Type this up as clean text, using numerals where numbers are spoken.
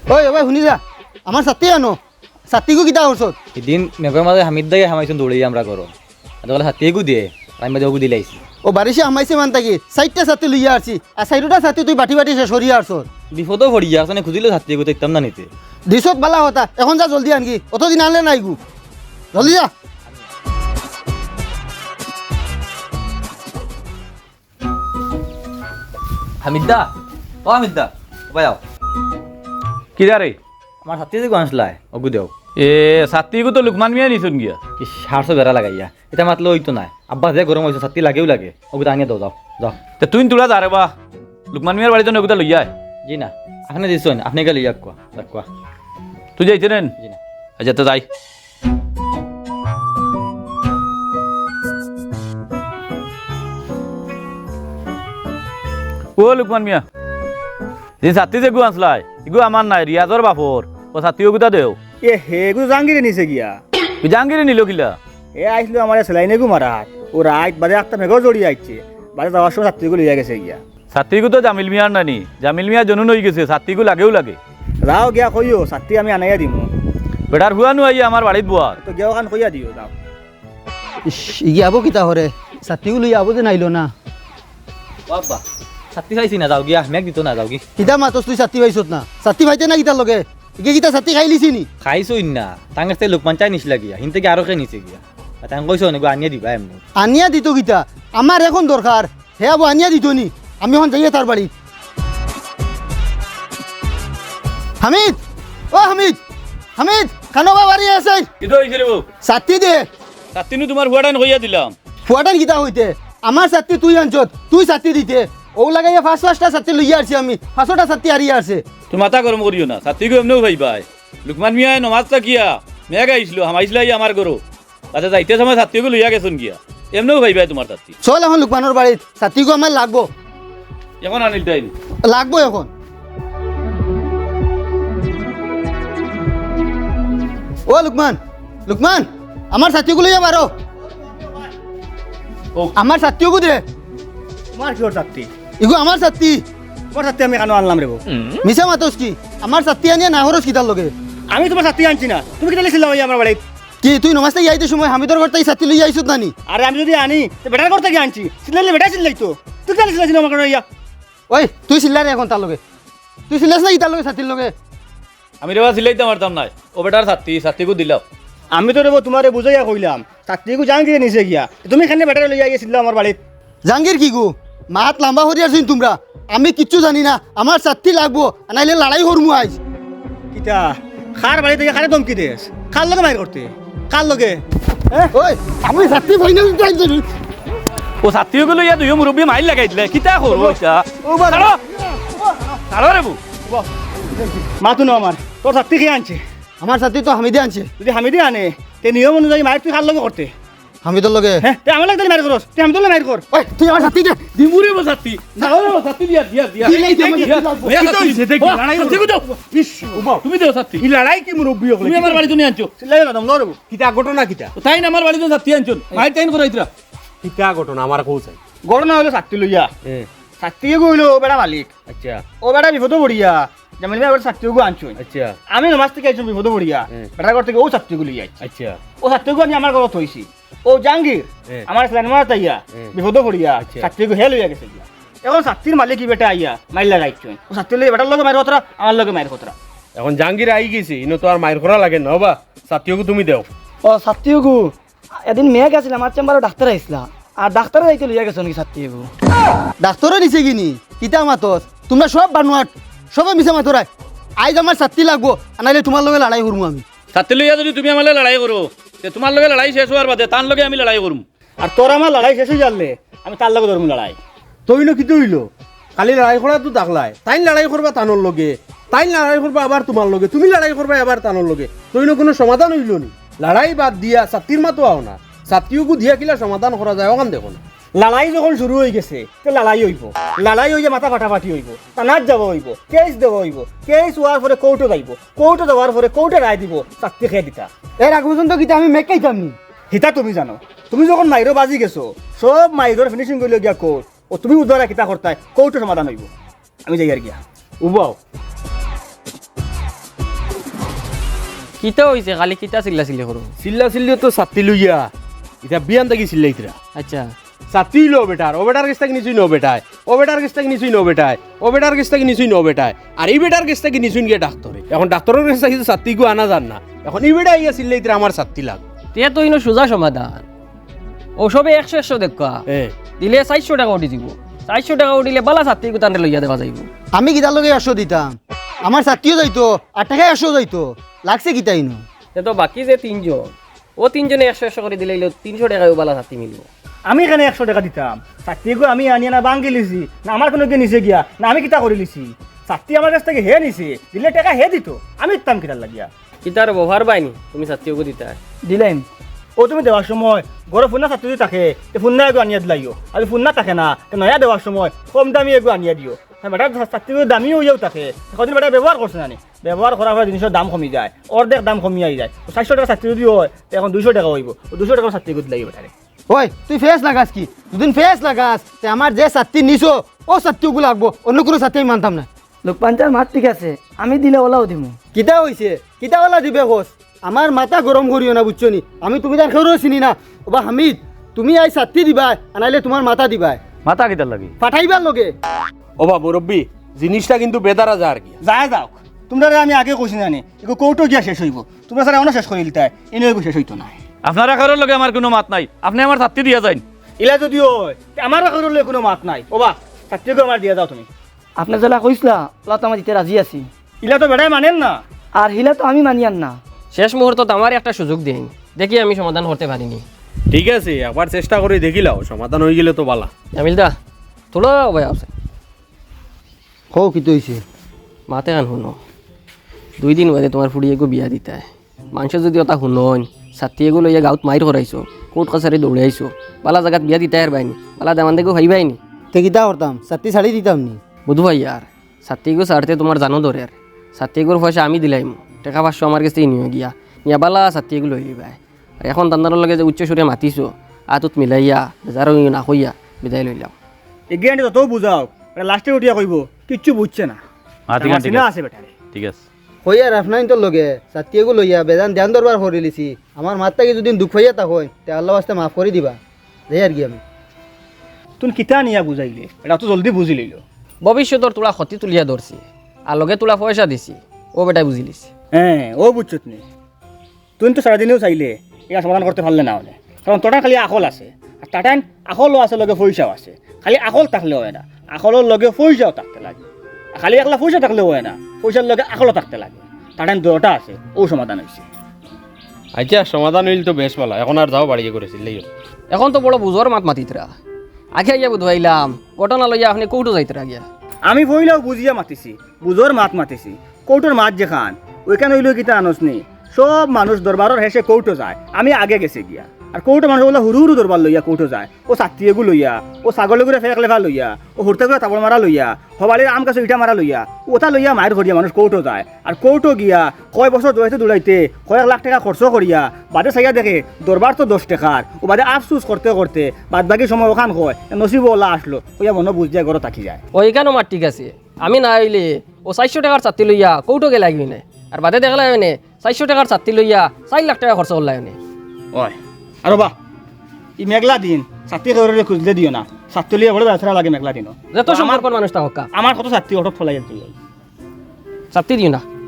ওই ভাই শুনি যা আমার ছাত্রী আনো ছাত্রীকো কিতা করছত এদিন মেঘর মাঝে হামিদ দাগে হামাইছুন দৌড়ি আমরা করো আদকালে হাতিয়েকু দিয়ে আমি মাঝে ওগু দিলাইছি ও বারিশে হামাইছে মান থাকি চারটা ছাত্রী লইয়া আসছি আর চারটা ছাত্রী তুই বাটি বাটি শেষ সরিয়া আসছত বিপদও পড়ি আসনে খুঁজিলে হাতিয়েকু তো ইতাম না নিতে দিছত বালা হতা এখন যা জলদি আনকি অতদিন আনলে নাই গু জলদি যা হামিদদা ও হামিদদা ভাই আও কিরা রে আমার হাতি যে গাnsলাই ওগু দেও এ সাত্তিকু তো লুকমান মিয়া নিছুন গিয়া কি সারশো বেড়া লাগাইয়া এটা মাতলে ওই তো নাই আব্বা যে গরম হয়েছে ছাত্রী লাগেও লাগে ওগু আনিয়ে দাও যাও যাও তে তুই তোরা যা রে বা লুকমান মিয়ার বাড়িতে নগুদা লইয়া আয়। জি না আপনি দিছেন আপনি গেলে ইয়াক কোয়া কোয়া তুই যাইতে নেন জি না আচ্ছা তো যাই ও লুকমান মিয়া যে ছাত্রী যে গু আনসলাই ইগু আমার নাই রিয়াজর বাপর ও ছাত্রীও গুতা দেও এ হেগু জাহাঙ্গীরে নিছে গিয়া তুই জাহাঙ্গীরে নিল কিলা এ আইসলো আমার সেলাইনে গু মারাত ও রাত বাজে একটা মেঘ জড়িয়ে আইছে বাজে যাওয়ার সময় ছাত্রীগুলো লইয়া গেছে গিয়া ছাত্রীকু তো জামিল মিয়ার নানি জামিল মিয়া জনুন হয়ে গেছে ছাত্রীকু লাগেও লাগে যাও গিয়া কইও ছাত্রী আমি আনাইয়া দিম বেটার হুয়ানো আইয়া আমার বাড়িত বুয়ার তো গিয়া ওখান কইয়া দিও যাও ইগি আবো কিতা হরে ছাত্রীকো লইয়া আবো যে নাইলো না বাবা ছাত্রী খাইছি না যাও গিয়া মেঘ দিত না যাও কি কিতা মাতস তুই ছাত্রী পাইছত না ছাত্রী পাইতে না কিতার লগে ইগে কিতা ছাত্রী খাই লিছি নি খাইছই না তাঙ্গের থেকে লোকমান চাই নিছিলা গিয়া হিন থেকে আরো খেয়ে নিছে গিয়া তাং কইছো নেগো আনিয়ে দিবা এমনি আনিয়া দিত কিতা আমার এখন দরকার হে আবো আনিয়া দিত নি আমি এখন যাইয়ে তার বাড়ি হামিদ ও হামিদ হামিদ খানোবা বাড়ি আছে কিতো হইছে রে বউ ছাত্রী দে ছাত্রীনু তোমার হুয়াটান কইয়া দিলাম ফুয়াটান কিতা হইতে আমার ছাত্রী তুই আনছত তুই ছাত্রী দিতে ও লাগাইয়া পাঁচটা ছাত্রী লইয়া আসছি আমি 5টা ছাত্রী হারিয়ে আসছে তুই মাথা গরম করিও না ছাত্রীকে এমনিও ভাই ভাই লুকমান মিয়া নমাজটা কিয়া মেঘ আইসলো হামাইছিলা আমার গরো তাতে যাইতে সময় ছাত্রীকে লইয়া গেছুন গিয়া এমনিও ভাই ভাই তোমার ছাত্রী চল এখন লুকমানোর বাড়িত ছাত্রীকে আমার লাগবো এখন আনিল তাই লাগবো এখন ও লুকমান লুকমান আমার ছাত্রীগুলো লইয়া বারো ও আমার ছাত্রীও দে তোমার কি ওর ছাত্রী ইগো আমার ছাত্রী তোমার ছাত্রী আমি কেন আনলাম রে বউ মিছা মাতস কি আমার ছাত্রী আনিয়া না হরস কিতার লগে আমি তোমার ছাত্রী আনছি না তুমি কেটে লিখিলাম আমার বাড়িত কি তুই নমাজ থেকে আইতে সময় হামিদর ঘর থেকে ছাত্রী লইয়া আইছত নানি আরে আমি যদি আনি তো বেটার করতে গিয়ে আনছি সিলাইলে বেটা সিলাই তো তুই কেন সিলাইছিল আমার কারণে ইয়া ওই তুই চিল্লা রে এখন তার লগে তুই চিল্লাস না কিতার লগে ছাত্রীর লগে আমি রেবা সিলাইতে পারতাম নাই ও বেটার ছাত্রী ছাত্রীকে দিলাম আমি তো রে বউ তোমারে বুঝাইয়া কইলাম ছাত্রীকে জাহাঙ্গীরে নিছে গিয়া তুমি এখানে বেটারে লইয়া গেছিল আমার বাড়িত জাহাঙ্গীর কি গো মাত লম্বা হরি আছিস তোমরা আমি কিচ্ছু জানি না আমার ছাত্রী লাগবো নাইলে লড়াই করমু আইজ কিতা খার বাড়ি থেকে খারে দমকি দেস কার লগে মাইর করতে কার লগে ওই আমি ছাত্রী ফাইনাল যাই ও ছাত্রীকে লইয়া দুই মুরব্বী মাইল লাগাই দিলে কিতা করবো এটা ও বাবা ছাড়ো রে বউ মাতু ন আমার তোর ছাত্রী খেয়ে আনছে আমার ছাত্রী তো হামিদে আনছে যদি হামিদি আনে তে নিয়ম অনুযায়ী মায়ের তুই কার লগে করতে হামিদর লগে হ্যাঁ তে আমার লাগে মাইর করস তুই হামিদুল্লাহ মাইর কর ওই তুই আমার ছাত্রী দে দিমুরে বউ ছাত্রী ছাড়ো রে বউ ছাত্রী দিয়া দিয়া দিয়া দিলাই দে আমাকে তুমি দেও ছাত্রী এই লড়াই কি মুরব্বী হল তুমি আমার বাড়িতে নিয়ে আনছো চিল্লাই না দম লড়ব কিতা ঘটনা কিতা তাই না আমার বাড়িতে ছাত্রী আনছো মাইর টাইন করাইতরা কিতা ঘটনা আমার কৌ চাই গড়না হলো ছাত্রী লইয়া ছাত্রীকে কইলো ও বেটা মালিক আচ্ছা ও বেটা বিপদ পড়িয়া যেমন এবার ছাত্রীকে আনছো আচ্ছা আমি নমাজ থেকে আইছো বিপদ পড়িয়া বেটার ঘর থেকে ও ছাত্রীকে লইয়া আইছি আচ্ছা ও ছাত্রীকে আমি আমার ঘরত হইছি ও জাহাঙ্গীর আমার স্ল্যান মারা তাইয়া বিপদ পড়িয়া ছাত্রীকে হে লইয়া গেছে গিয়া এখন ছাত্রীর মালিক কি বেটা আইয়া মাইল লাগাইছো ও ছাত্রী লইয়া বেটার লগে মাইর কতরা আমার লগে মাইর কতরা এখন জাহাঙ্গীর আই গেছি ইনো তো আর মায়ের করা লাগে না বা ছাত্রীকে তুমি দেও ও ছাত্রীগু এদিন মেঘ আছিল আমার চেম্বারে ডাক্তার আইসলা আর ডাক্তার যাইতে লইয়া গেছে নাকি ছাত্রীগু ডাক্তারও নিছে কিনি কিতা মাতস তোমরা সব বানুয়াট সবে মিছা মাতরাই আইজ আমার ছাত্রী লাগবো নাইলে তোমার লগে লড়াই করবো আমি ছাত্রী লইয়া যদি তুমি আমার লড়াই করো তে তোমার লগে লড়াই শেষ হওয়ার বাদে তার লগে আমি লড়াই করুম আর তোর আমার লড়াই শেষ হয়ে জানলে আমি তার লগে ধরবো লড়াই তইনো কি হইলো কালি লড়াই করা তো দেখলাই তাই লড়াই করবা তানোর লগে তাই লড়াই করবা আবার তোমার লগে তুমি লড়াই করবা আবার তানোর লগে তইনো কোনো সমাধান হইল নি লড়াই বাদ দিয়া ছাত্রীর মাতো আও না ছাত্রীকে দিয়া কিলা সমাধান করা যায় ওখান দেখো না লড়াই যখন শুরু হয়ে গেছে তো লড়াই হইব লড়াই হইয়া মাথা ফাটাফাটি হইব থানাত যাব হইব কেস দেব হইব কেস হওয়ার পরে কোর্টে যাইব কোর্টে যাওয়ার পরে কোর্টে রায় দিব চাকরি খেয়ে দিতা এর আগ পর্যন্ত কিতা আমি মেক খাইতাম নি হিতা তুমি জানো তুমি যখন মাইরো বাজি গেছো সব মাইরোর ফিনিশিং করলে গিয়া কোর্ট ও তুমি উদ্ধারা কিতা করতাই কোর্টে সমাধান হইব আমি যাই আর গিয়া উবাও কিতা হইছে খালি কিতা চিল্লা চিল্লি করো চিল্লা চিল্লিও তো ছাত্রী লইয়া এটা বিয়ান থাকি চিল্লাইতরা আচ্ছা ছাত্রী লো বেটার ও বেটার কাছ থেকে নিচুই নো বেটায় ও বেটার কাছ থেকে নিচুই নো বেটায় ও বেটার কাছ থেকে নিচুই নো বেটায় আর এই বেটার কাছ থেকে নিচুই গিয়ে ডাক্তারে এখন ডাক্তারের কাছ থেকে ছাত্রীকে আনা যান না এখন এই বেটা ইয়া চিল্লাইতরা আমার ছাত্রী লাগ তে তো ইনো সোজা সমাধান ওসবে 100 দেখা দিলে 400 টাকা উঠি দিব 400 টাকা উঠিলে বালা ছাত্রী গুতানে লইয়া দেওয়া যাইব আমি কিতার লগে 100 দিতাম আমার ছাত্রীও যাইতো আর টাকা 100 যাইতো লাগছে কিতাই নো তে তো বাকি যে তিনজন ও তিনজনে 100 করে দিলে 300 টাকায় বালা ছাত্রী মিলব আমি এখানে 100 টাকা দিতাম ছাত্রীকে আমি আনিয়ে না বাঙ্গি লিছি না আমার কোনো নিচে গিয়া না আমি কিতা করে লিছি ছাত্রী আমার কাছ থেকে হে নিছে দিলে টাকা হে দিত আমি দিতাম কিতার লাগিয়া কিতার ব্যবহার পাইনি তুমি ছাত্রীকে দিতা দিলাম ও তুমি দেওয়ার সময় ঘরে ফুন্না ছাত্রী যদি থাকে ফুন্না এগো আনিয়ে দিলাইও আর ফুন্না থাকে না নয়া দেওয়ার সময় কম দামি এগো আনিয়ে দিও বেটা ছাত্রীকে দামিও হইয়াও থাকে কদিন বেটা ব্যবহার করছে না ব্যবহার করার পরে জিনিসের দাম কমি যায় অর্ধেক দাম কমিয়ে যায় 400 টাকা ছাত্রী যদি হয় এখন 200 টাকা হইব 200 টাকা ছাত্রীকে দিলাই বেটারে ওই তুই ফেস লাগাস কি দুদিন ফেস লাগাস তে আমার যে ছাত্রী নিছো ও ছাত্রীগুলো লাগবো অন্য কোনো ছাত্রী আমি মানতাম না লোকপাঞ্চার মাত ঠিক আছে আমি দিলে ওলাও দিমু কিতা হইছে কিতাওয়ালা দিবে হোস আমার মাথা গরম করিও না বুঝছো নি আমি তুমি তার খেয়েও চিনি না ওবা হামিদ তুমি আই ছাত্রী দিবা আনাইলে তোমার মাথা দিবা মাথা কিতার লাগি পাঠাইবার লগে ও বা মুরব্বী জিনিসটা কিন্তু বেদারা যা আর কি যায় যাও তোমরা আমি আগে কইছি না এগো কৌটো গিয়া শেষ হইব তোমরা স্যার এমন শেষ করে দিতে এনে এগো শেষ হইতো না আপনারা কারোর লগে আমার কোনো মাত নাই আপনি আমার ছাত্রী দিয়া যাইন ইলা যদি হয় আমার কারোর কোনো মাত নাই ওবা ছাত্রীকে আমার দিয়া যাও তুমি আপনার জেলা কইসলা ওলা তো আমার দিতে রাজি আছি ইলা তো বেটাই মানেন না আর হিলা তো আমি মানিয়ান না শেষ মুহূর্তত আমার একটা সুযোগ দিন দেখি আমি সমাধান করতে পারিনি ঠিক আছে একবার চেষ্টা করে দেখিলাও সমাধান হয়ে গেলে তো বালা জামিল দা তোলা ভাই আছে হও কি হইছে মাতে কান শুনো 2 দিন বাদে তোমার ফুড়ি এগো বিয়া দিতা মানুষ যদি ওটা শুনন ছাত্রী এগো লইয়া গাঁৱত মাইর করাইছো কোর্ট কাছারি দৌড়ে আইছো বালা জায়গাত বিয়া দিতাই আর বাইনি বালা দামান দেখো ভাইবাইনি তে কিতা করতাম ছাত্রী ছাড়ি দিতাম নি বুধ ভাই আর ছাত্রীগো ছাড়তে তোমার জানো ধরে আর ছাত্রীগোর পয়সা আমি দিলাম টাকা 500 আমার কাছে নিয়ে গিয়া নিয়া বালা ছাত্রীগো লই লিবাই আর এখন তান্দানোর লগে যে উচ্চ সুরে মাতিছো আতুত মিলাইয়া যারো না কইয়া বিদায় লইলাম এগিয়ে তত বুঝাও লাস্টে উঠিয়া কইব কিচ্ছু বুঝছে না ঠিক আছে, ঠিক না আছে। আছে বেটারে ঠিক আছে হইয়া রাফনাইন তোর লগে ছাত্রীগুলো লইয়া বেদান ধ্যান দরবার করে লিছি আমার মাত্রাকে যদি দুঃখ হইয়া তা হয় তে আল্লাহ আস্তে মাফ করে দিবা যাই আর কি আমি তুমি কিতা নিয়া বুঝাইলে এটা তো জলদি বুঝি লইল ভবিষ্যতর তোলা ক্ষতি তুলিয়া ধরছি আর লগে তোলা পয়সা দিছি ও বেটাই বুঝি লিছি হ্যাঁ ও বুঝছো তুমি তুমি তো সারাদিনেও চাইলে এটা সমাধান করতে পারলে না হলে কারণ তোটা খালি আকল আছে আর টাটান আকলও আছে লগে পয়সাও আছে খালি আকল থাকলে হয় না আকলের লগে পয়সাও থাকতে লাগে খালি একলা পয়সা থাকলেও হয় না পয়সার লগে আকলও থাকতে লাগে টাটান দুটা আছে ও সমাধান হয়েছে আচ্ছা সমাধান হইল তো বেশ ভালো এখন আর যাও বাড়িয়ে করেছিল এখন তো বড় বুঝর মাত মাতিতরা আগে আইয়া বুধবাইলাম ঘটনা লইয়া আপনি কৌটো যাইতরা গিয়া আমি বইলেও বুঝিয়া মাতিছি বুঝোর মাত মাতিছি কৌটোর মাত যেখান ওইখানে হইলেও কিতা আনস নেই সব মানুষ দরবারের হেসে কৌটো যায় আমি আগে গেছে গিয়া আর কৌটো মানুষ বলে হুরু হুরু দরবার লইয়া কৌটো যায় ও ছাত্রীগুলো লইয়া ও ছাগলে করে ফেক লেফা লইয়া ও হুরতে করে তাবড় মারা লইয়া হবালির আম কাছে ইটা মারা লইয়া ওটা লইয়া মায়ের ঘরিয়া মানুষ কৌটো যায় আর কৌটো গিয়া কয় বছর দৌড়াইতে দৌড়াইতে কয়েক লাখ টাকা খরচ করিয়া বাদে চাইয়া দেখে দরবার তো 10 টাকার ও বাদে আফসুস করতে করতে বাদ বাকি সময় ওখান হয় নসিব ওলা আসলো ওইয়া মনে বুঝ যায় ঘরে থাকি যায় ওইখানেও মার ঠিক আছে আমি না আইলে ও 400 টাকার ছাত্রী লইয়া কৌটো গে লাগবি না আর বাদে দেখলা এনে 400 টাকার ছাত্রী লইয়া 4 লাখ টাকা খরচ করলা এনে ওই আর বা ই মেঘলা দিন ছাত্রী করে খুঁজলে দিও না ছাত্রী লিয়ে বড় ব্যবসা লাগে মেঘলা দিনও যত সম্পর্ক মানুষ তা হকা আমার কত ছাত্রী অটো ফলাই তুই ছাত্রী দিও না